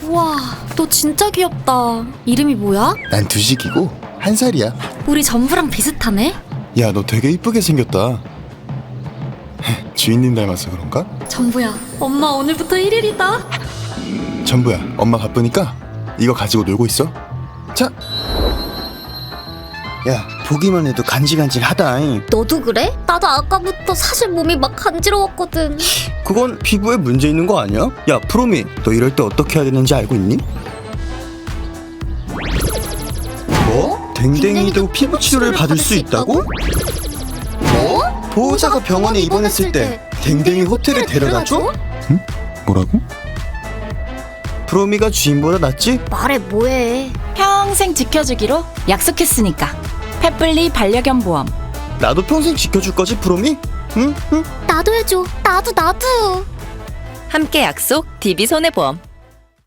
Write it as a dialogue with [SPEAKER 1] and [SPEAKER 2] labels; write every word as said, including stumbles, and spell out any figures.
[SPEAKER 1] 우와, 너 진짜 귀엽다. 이름이 뭐야?
[SPEAKER 2] 난 두식이고 한 살이야.
[SPEAKER 1] 우리 전부랑 비슷하네?
[SPEAKER 2] 야, 너 되게 이쁘게 생겼다. 주인님 닮아서 그런가?
[SPEAKER 1] 전부야, 엄마 오늘부터 일 일이다.
[SPEAKER 2] 전부야, 엄마 바쁘니까 이거 가지고 놀고 있어. 자. 야, 보기만 해도 간질간질하다잉.
[SPEAKER 1] 너도 그래? 나도 아까부터 사실 몸이 막 간지러웠거든.
[SPEAKER 3] 그건 피부에 문제 있는 거 아니야? 야, 프로미, 너 이럴 때 어떻게 해야 되는지 알고 있니? 뭐? 댕댕이도 피부 치료를 받을 수 있다고?
[SPEAKER 1] 뭐?
[SPEAKER 3] 보호자가 병원에 입원했을 때 댕댕이 호텔에 데려다줘?
[SPEAKER 2] 뭐라고?
[SPEAKER 3] 프로미가 주인보다 낫지?
[SPEAKER 1] 말해 뭐해.
[SPEAKER 4] 평생 지켜주기로 약속했으니까. 펫블리 반려견 보험.
[SPEAKER 3] 나도 평생 지켜줄 거지, 프로미? 응? 응?
[SPEAKER 1] 나도 해줘. 나도 나도.
[SPEAKER 4] 함께 약속 디비손해보험.